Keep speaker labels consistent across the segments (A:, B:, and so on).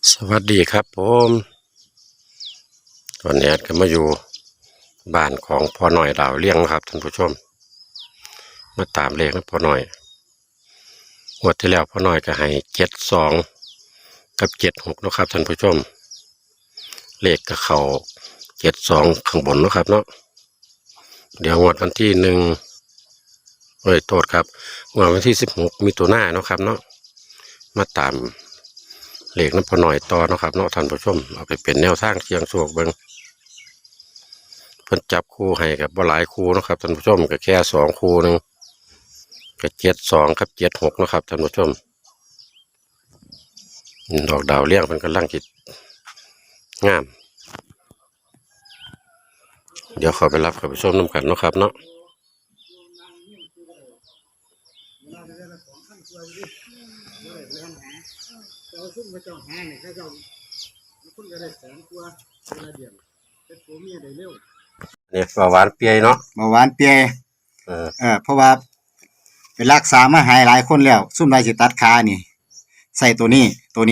A: สวัสดีครับผมตอนนี้ก็มาอยู่บ้านของพ่อหน่อยดาวเลี้ยงครับท่านผู้ชมมาตามเลขนะพ่อหน่อยงวดที่แล้วพ่อหน่อยก็ให้72กับ76นะครับท่านผู้ชมเลขก็เข้า72ข้างบนนะครับเนาะเดี๋ยวงวดวันที่โทษครับงวดวันที่16มิถุนายนครับเนาะมาตามเลขน้ำพอหน่อยต่อนะครับเนาะท่านผู้ชมเอาไปเป็นแนวทางเชียงโชคเบิ้งเพิ่นจับคู่ให้กับบ่หลายคู่นะครับท่านผู้ชมก็แค่2คู่นึงก็72กับ76นะครับท่านผู้ชมดอกดาวเลี้ยงเพิ่นกำลังคิดงามเดี๋ยวขอไปรับกับผู้ชมนำกันเนาะครับเนาะ
B: เราซุ่มกระจอกหาเนี่ยเขาเจ้าคุณก็ได้แสนกว่าเวลาเดียวเป็นผัวเมียได้เร็ว
A: นี่ปลาหวานเปียเนาะ
B: เมื่อวานเปียเพราะว่าเป็นรักษามาหายหลายคนแล้วซุ่มไรสิตัดขานี่ใส่ตัวนี้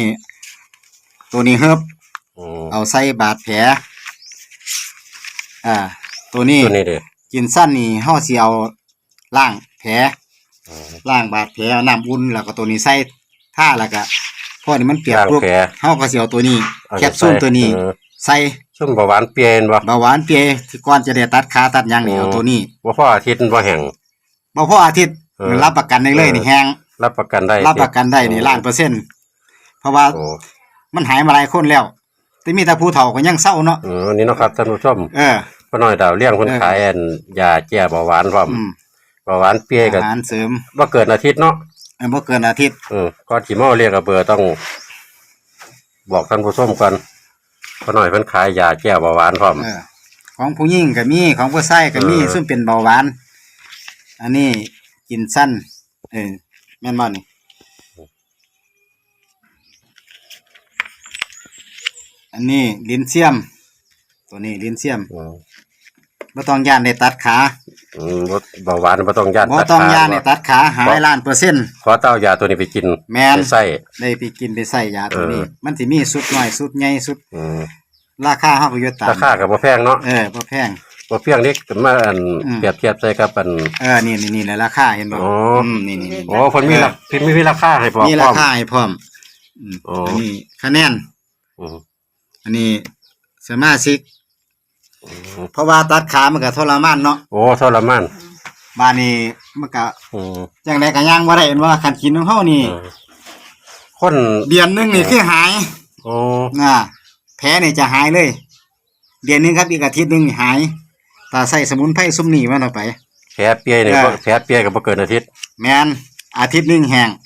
B: เฮิบเอาใส่บาดแผลตัวนี้
A: เด้
B: กินสั้นนี่เฮาสิเอาล้างแผลล้างบาดแผลน้ำอุ่นแล้วก็ตัวนี้ใส่ท่าแล้วก็พอนี่มันเปียกปุ๊บเฮาก็สิเอาตัวนี้แคปซูลตัวนี้ใส่
A: ซุ่มเบาหวานเปียบ่
B: เบาหวานเปียที่ก่อนจะได้ตัดขาตัดหยังนี่เอาตัวนี้
A: บ่พออาทิตย์บ่แห้ง
B: บ่พออาทิตย์รับประกันได้เลยนี่แห้ง
A: รับประกันได้
B: นี่1,000,000%เพราะว่ามันหายมาหลายคนแล้วแต่มีแต่ผู้เฒ่าก็ยังเศร้าเนาะ
A: นี่เนาะครับท่านผู้ชมพ่อน้อยดาวเลี้ยงเพิ่นขายยาแก้เบาหวานพร้อมเบาหวานเปียก็
B: อาหารเสริม
A: บ่เกินอาทิตย์เนาะ
B: บ่เกินอาทิตย์
A: ก่อนสิมาเรียกเบอร์ต้องบอกท่านผู้ชมก่อนพ่อน้อยเพิ่นขายยาแก้เบาหวานพร้อม
B: ของผู้หญิงก็มีของผู้ชายก็มีซึ่งเป็นเบาหวานอันนี้กินสั้นแม่นบ่นี่อันนี้ลิ้นเสียมตัวนี้ลิ้นเสียมบ่ต้องย่านได้ตัดขา
A: เบาหวานบ่ต้องย่าน
B: ตัดขาบ่ต้องย่านได้ตัดขาหาย1,000,000%
A: ขอเต้ายาตัวนี้ไปกิน
B: แม่น
A: ใส่
B: ได้ไปกินไปใส่ยาตัวนี้มันสิมีสุดน้อยสุดใหญ่สุดราคาเฮาก็อยู่ตาม
A: ราคาก็บ่แพงเนาะ
B: บ่แพง
A: นี่มาเปรียบเทียบใส่กับ
B: นี่แหละราคาเห็นบ่นี่
A: เพิ่นมีราคาให้พร้อม
B: มีราคาให้พร้อมอันนี้คะแนนอันนี้สมาชิกเพราะว่าตัดขามันก็ทรมานเนาะ
A: ทรมาน
B: บ้านนี้มันก็จังได๋ก็ย่างบ่ได้เห็นว่าคันกินของเฮานี่
A: คน
B: เดือนนึงนี่คือหายแผลนี่จะหายเลยเดือนนึงครับอีกอาทิตย์นึงหายถ้าใส่สมุนไพรซุมนี้มันเอาไป
A: แผลเปียนี่แผลเปียก็บ่เกินอาทิตย์
B: แม่นอาทิตย์นึงแห้ง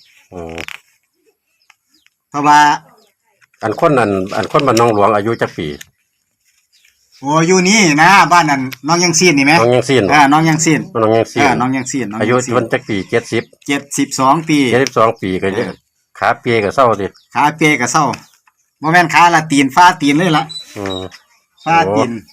B: เพราะว่า
A: อันคนบ้านน้องหลวงอายุจักปี
B: อยู่นี่นะบ้านนั้นน้องยังซีนนี่มั้ย
A: น้องยังซีน
B: น้องยังซีน
A: น้องยังซีนอายุมันจักปี
B: 72ปี
A: ก็ขาเปียก็เศร้าสิ
B: ขาเปียก็เศร้าบ่แม่นขาละตีนฟ้าตีนเลยล่ะฟ้าตีน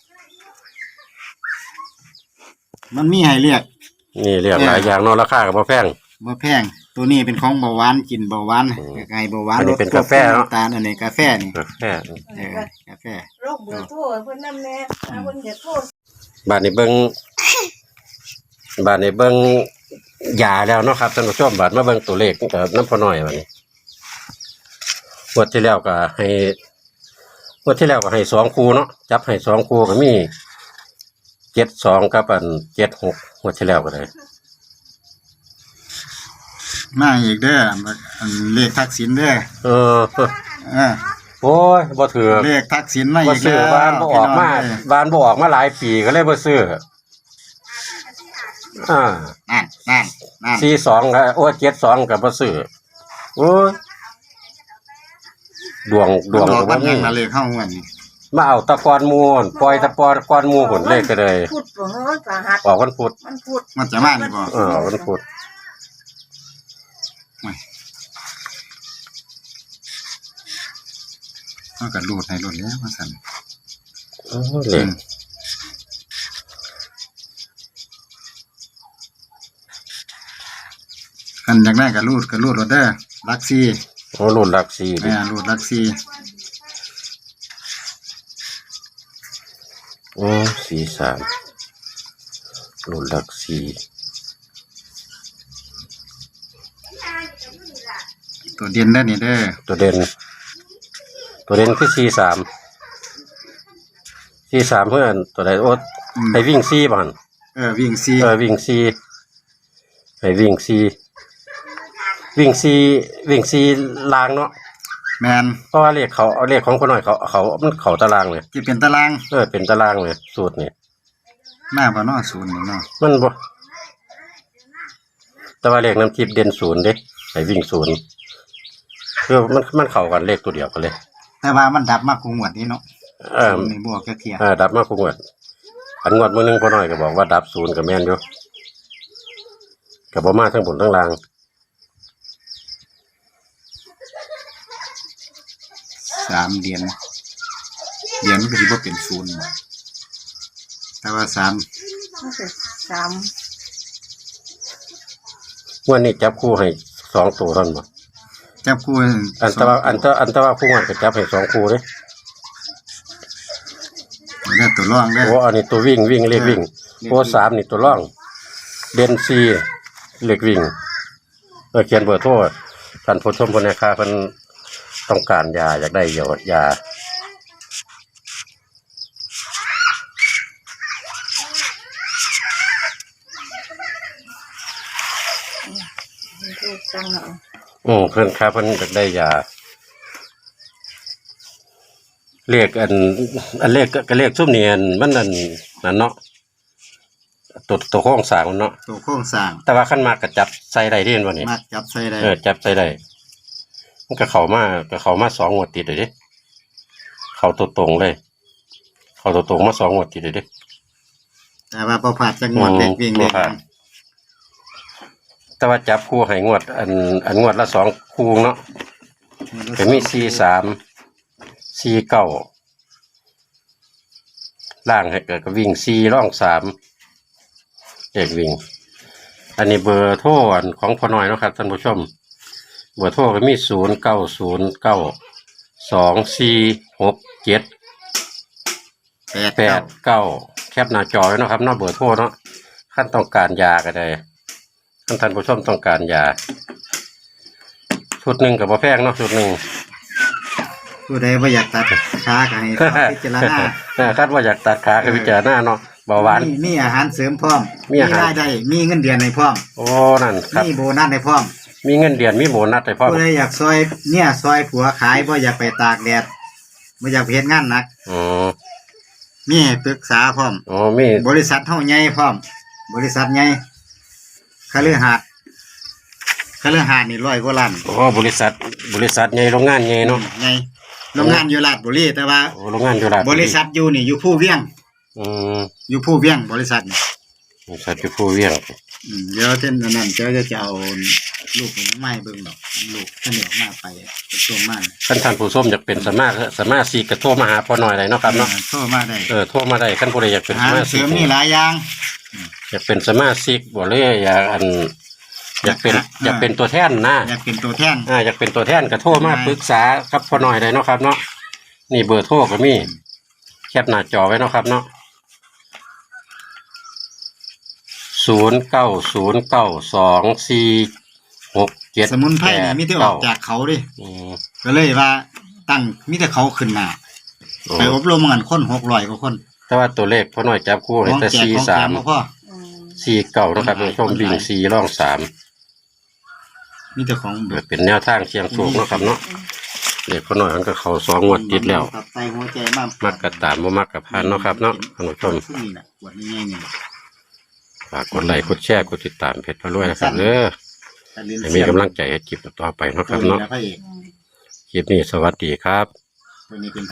B: มันมีให้เลือก
A: นี่เรียกหลายอย่างเนาะราคาก็บ่แพง
B: ตัวนี้เป็นของเบาหวานกินเบาหวานไก่เบาหวาน
A: ลดเป็นกาแฟเนาะ
B: ตาลอันนี้กาแฟนี่
A: กาแฟ
C: โรคเบอร์โทรเพิ่นนำแน่เพิ่นจะโทร
A: บ้านนี้เบิ่งยาแล้วเนาะครับท่านผู้ชมบัดมาเบิ่งตัวเลขกับน้ำพอน้อยบัดนี้งวดที่แล้วก็ให้2คู่เนาะจับให้2คู่ก็มี72กับ76งวดที่แล้วก็ได้
B: มาอีกเด้อเลขทักษิณเด้อ
A: โอ้ยบ่ถือ
B: เลขทักษิณมาอีก
A: แล้วบ้านบ่ออกมาหลายปีก็เลยบ่ซื้อ
B: นั่น
A: 42ก็72ก็บ่ซื้อโอ้ยดวง
B: บ่มีเลขเฮาม่วนนี่
A: มาเอาตะกอนมูนปล่อยตะกอนมูหุ่นเลขก็เลย
C: พุธบ่เฮ้ยสหัส
A: ออกวันพุธ
B: มันจะมานี่บ่
A: วันพุธ
B: มันก็รูดให้รูดแล้วว่าซั่น
A: เลย
B: กันอยากได้ก็รูดรถเด้อลักซี่
A: รูดลักซี่
B: รูดลักซี่
A: โอ้43รุ่นหลักสี่
B: ตัวเด่นได้อนี่เด้อ
A: ตัวเด่นคือ43เพื่อนตัวใดโอ๊ตให้วิ่ง4บ่หั่น
B: วิ่งซี
A: วิ่ง4ให้วิ่ง4ลางเนาะ
B: แมน
A: เพราะว่าเลขของพ่อน้อยเขามันเข้าตารางเลย
B: ที่เป็นตาราง
A: เป็นตารางเลยสูตรนี่
B: หน้าบ่เนาะศูนย์นี่เนาะ
A: มันบ่แต่ว่าเลขน้ำทิพย์เด่น0เด้ให้วิ่ง0คือมันเข้ากันเลขตัวเดียวกันเลย
B: แต่ว่ามันดับมากกว่าหมวดนี้เนาะศูนย์นี่บวกแค่เทีย
A: ดับมาคงวดอันงวดมื้อนึงพ่อน้อยก็บอกว่าดับ0ก็แม่นอยู่ก็บ่มาทั้งบนทั้งล่าง
B: 3เหรียญมันก็สิบ่เป็นศูนย์บ่แต่ว่า3
C: มันเป็นสาม
A: งวดนี้จับคู่ให้2ตัวเท่านั้นบ่
B: จับคู่
A: อันแต่ว่าผู้งวดก็จับให้2คู่เด้
B: ได้ตัวรองเด้อ
A: โอ้อันนี้ตัววิ่งเลขวิ่งโอ้3นี่ตัวร่องเด่น4เลขวิ่งเขียนเบอร์โทรท่านผู้ชมคนในค่าเพิ่นต้องการยาอยากได้ยา
C: ถูกจังเอา
A: เพิ่นค่าเพิ่นอยากได้ยาเลขเลขก็เลขซุ่มนี่มันนั่นเนาะตัวโครงสร้างมันเนาะ
B: ตัวโครงสร้าง
A: แต่ว่าขั้นมากก็จับใส่ได้ที่เห็นบ่นี่
B: มักจับใส่ได้
A: จับใส่ได้มันก็เข้ามา2งวดติดเลยเด้เข้าตัวตรงเลยเข้าตัวตรงมา2งวดติดเลยเด้
B: แต่ว่าบ่พลาดจักงวดเด็กวิ่งเด็ก
A: แต่ว่าจับคู่ให้งวดอันงวดละ2คู่เนาะก็มี43 49ล่างให้เกิดก็วิ่ง4ร่อง3เด็กวิ่งอันนี้เบอร์โทรของพ่อน้อยเนาะครับท่านผู้ชมเบอร์โทรก็มี0909246789แคปหน้าจอไว้เนาะครับเนาะเบอร์โทรเนาะขั้นต้องการยาก็ได้ท่านผู้ชมต้องการยาชุดหนึ่งกับบ่แพงเนาะชุดหนึ่ง
B: ผู้ใดบ่อยากตัดขาก็ให้พิจารณา
A: คาดว่าอยากตัดขาก็พิจารณาเนาะเบาหวาน
B: มีอาหารเสริมพร้อม
A: มีอาหาร
B: รายได้มีเงินเดือนให้พร้อม
A: โอ้นั่นครับ
B: มีโบนัสให้พร้อม
A: มีเงินเดือนมีโบนัสให้พ่อ
B: ผู้ใดอยากซอยซอยผัวขายบ่อยากไปตากแดดบ่อยากไปเฮ็ดงานหนัก
A: อ๋อ
B: มีให้ปรึกษาพร้อม
A: อ๋อมี
B: บริษัทเฮาใหญ่พร้อม บริษัทใหญ่คฤหาสน์นี่100กว่าล้าน
A: อ๋อบริษัทใหญ่โรงงานใหญ่เนาะ
B: ใหญ่โรงงานอยู่ราชบุรีแต่ว่า
A: โอ้โรงงานอยู่ราช
B: บริษัทอยู่นี่อยู่ผู้เวียง
A: อืม
B: อยู่ผู้เวียงบริษัทนี่
A: บริษัทอยู่ผู้เวียง
B: เดี๋ยวเส้นอันนั้นเจ้าจะเอาลูกของไม้เบิ่งดอกลูกข้าวเหนียวมาไปตัวมา
A: ท่านผู้ชมอยากเป็นสามารถซีกระโทรมาหาพ่อหน่อยได้เนาะครับเนาะ
B: โทรมาได้
A: โทรมาได้ท่านผู้ใดอยากเป็น
B: อา
A: ส
B: หาร
A: มา
B: เส
A: ชิ
B: ริ
A: ก
B: มนี่หลายอย่าง
A: อยากเป็นสมาชิกบ่เลยอยากเป็นตัวแทนนะ
B: อยากเป็นตัวแทน
A: อยากเป็นตัวแทนก็โทรมาปรึกษากับพ่อหน่อยได้เนาะครับเนาะนี่เบอร์โทรก็มีแคปหน้าจอไว้เนาะครับเนาะ09092467
B: สมุนไพรนี่มีแต่ออกจากเขาดิ
A: อืม
B: ก็เลยว่าตั้งมีแต่เขาขึ้นมาไปอบรมกันคน600กว่าคน
A: แต่ว่าตัวเลขพ่อหน่อยจับคู่ให้แต่
B: ของแจกบ่พอ
A: 43 49นะครับท่านผู้ชมวิ่ง4ร่อง3
B: มีแต่ของ
A: เปิดเป็นแนวทางเชียงสูงเนาะครับเนาะเด็กพ่อหน่อยมันก็เข้า2งวดติดแล้ว
B: ตับไตหัวใจมาก
A: มักกะตามบ่มักกะพานเนาะครับเนาะท่านผู้ชม
B: นี่น่ะปวดนี่นี่
A: ฝากกดไลค์กดแชร์กดติดตามเพจพระรวยนะครับเด้อให้มีกำลังใจให้คลิปต่อไปเนาะครับเนาะ
B: พระเอก
A: คลิปนี้สวัสดีครับ
B: ตัวนี้เป็น